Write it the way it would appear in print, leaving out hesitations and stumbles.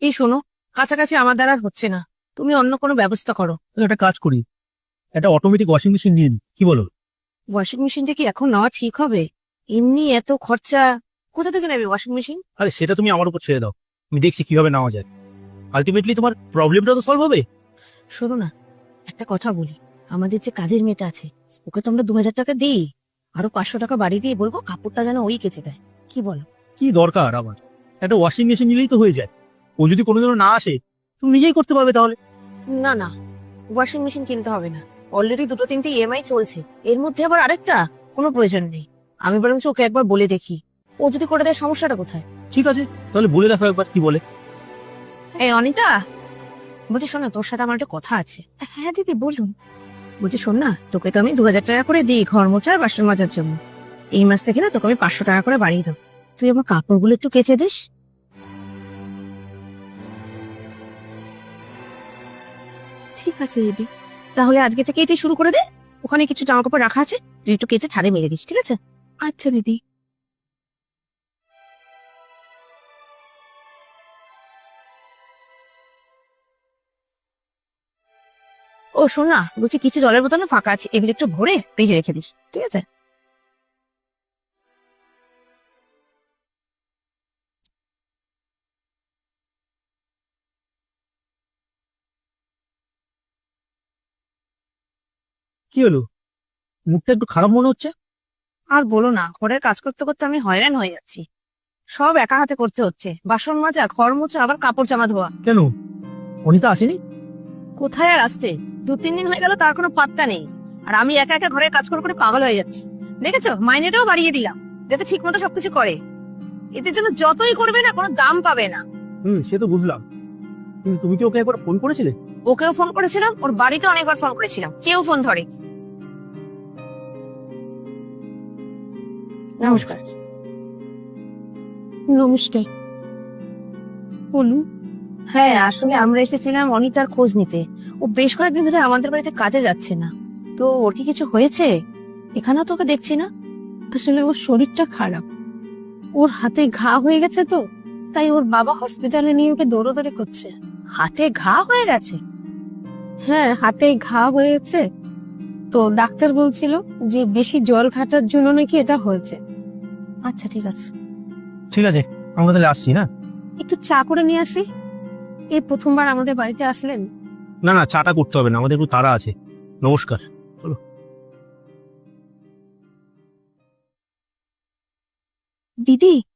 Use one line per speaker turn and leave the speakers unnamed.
এই শোনো, কাছাকাছি আমার দ্বারা আর হচ্ছে না, তুমি অন্য কোনো ব্যবস্থা করো।
তাহলে একটা কাজ করি, একটা অটোমেটিক ওয়াশিং মেশিন নিন, কি বলো?
ওয়াশিং মেশিনটা কি এখন নেওয়া ঠিক হবে? এমনি এত খরচা, কোথা থেকে নেবে ওয়াশিং মেশিন?
আরে সেটা তুমি আমার উপর ছেড়ে দাও, আমি দেখছি কিভাবে নেওয়া যায়। আলটিমেটলি তোমার প্রবলেমটা তো সলভ হবে।
শোনো না, একটা কথা বলি, আমাদের যে কাজের মেয়েটা আছে ওকে তো আমরা 2000 টাকা দিই, আরো 500 টাকা বাড়ি দিয়ে বলবো কাপড়টা যেন ওই কেচে দেয়, কি বলো?
কি দরকার আবার, একটা ওয়াশিং মেশিন নিলেই তো হয়ে যায়। ও যদি কোনোদিনও না আসে তুমি নিজেই করতে পারবে তাহলে।
না না, ওয়াশিং মেশিন কিনতে হবে না, অলরেডি 2-3টে ইএমআই চলছে, এর মধ্যে আবার আরেকটা, কোনো প্রয়োজন নেই। আমি বরঞ্চ ওকে একবার বলে দেখি, ও যদি করে দেয় সমস্যাটা কোথায়?
ঠিক আছে, তাহলে বলে দেখো একবার কি বলে।
এই অনিতা, বলছি শোন না, তোর সাথে আমার একটা কথা আছে। হ্যাঁ দিদি বলুন। বলছি শোন না, তোকে তো আমি 2000 টাকা করে দিই ঘর মোছা আর বাসন মাজার জন্য, এই মাস থেকে না তোকে আমি 500 টাকা করে বাড়িয়ে দেবো, তুই আমার কাপড়গুলো একটু কেচে দিস। ঠিক আছে দিদি, তাহলে আজকে থেকে এটাই শুরু করে দে, ওখানে কিছু জামা কাপড় রাখা আছে, তুই একটু কেচে ছাদে মেলে দিস, ঠিক আছে? আচ্ছা দিদি। ও শোন না, বলছি কিছু জলের বোতল না ফাঁকা আছে, এগুলো একটু ভরে ফ্রিজে রেখে দিস, ঠিক আছে?
কি হলো, মুখটা একটু খারাপ মনে হচ্ছে?
আর বলো না, ঘরের কাজ করতে করতে আমি হয়রান হয়ে যাচ্ছি, সব একা হাতে করতে হচ্ছে, বাসন মাজা, ঘর মোছা, আবার কাপড় জামা ধোয়া।
কেন, অনিতা আসেনি?
কোথায় আর আসতে, 2-3 দিন হয়ে গেল, তার কোনো পাত্তা নেই। আর আমি একা একা ঘরের কাজ করে করে পাগল হয়ে যাচ্ছি। দেখেছো, মাইনেটাও বাড়িয়ে দিলাম, যাতে ঠিক মতো সবকিছু করে। এদের জন্য যতই করবে না, কোনো দাম পাবে না।
সে তো বুঝলাম, কিন্তু তুমি কি ওকে একবার ফোন করেছিলে?
ওকেও ফোন করেছিলাম, ওর বাড়িতে অনেকবার ফোন করেছিলাম, কেউ ফোন ধরে। নমস্কার।
নমস্কার, বলুন।
হ্যাঁ, আসলে আমরা এসেছিলাম অনিতার খোঁজ নিতে, ও বেশ কয়েকদিন ধরে আমাদের বাড়িতে কাজে যাচ্ছে না, তো ওর কি কিছু হয়েছে? এখানেও তোকে দেখছি না।
আসলে ওর শরীরটা খারাপ, ওর হাতে ঘা হয়ে গেছে, তো তাই ওর বাবা হসপিটালে নিয়ে ওকে দৌড়াদৌড়ি করছে।
হাতে ঘা হয়ে গেছে?
হ্যাঁ, হাতে ঘা হয়েছে, তো ডাক্তার বলছিল যে বেশি জল ঘাটার জন্য নাকি এটা হয়েছে।
আচ্ছা ঠিক আছে।
ঠিক আছে, আমরা তাহলে আসছি না?
একটু চা করে নিয়ে আসি, এই প্রথমবার আমাদের বাড়িতে আসলেন।
না না, চাটা করতে হবে না, আমাদের একটু তাড়া আছে। নমস্কার।
দিদি,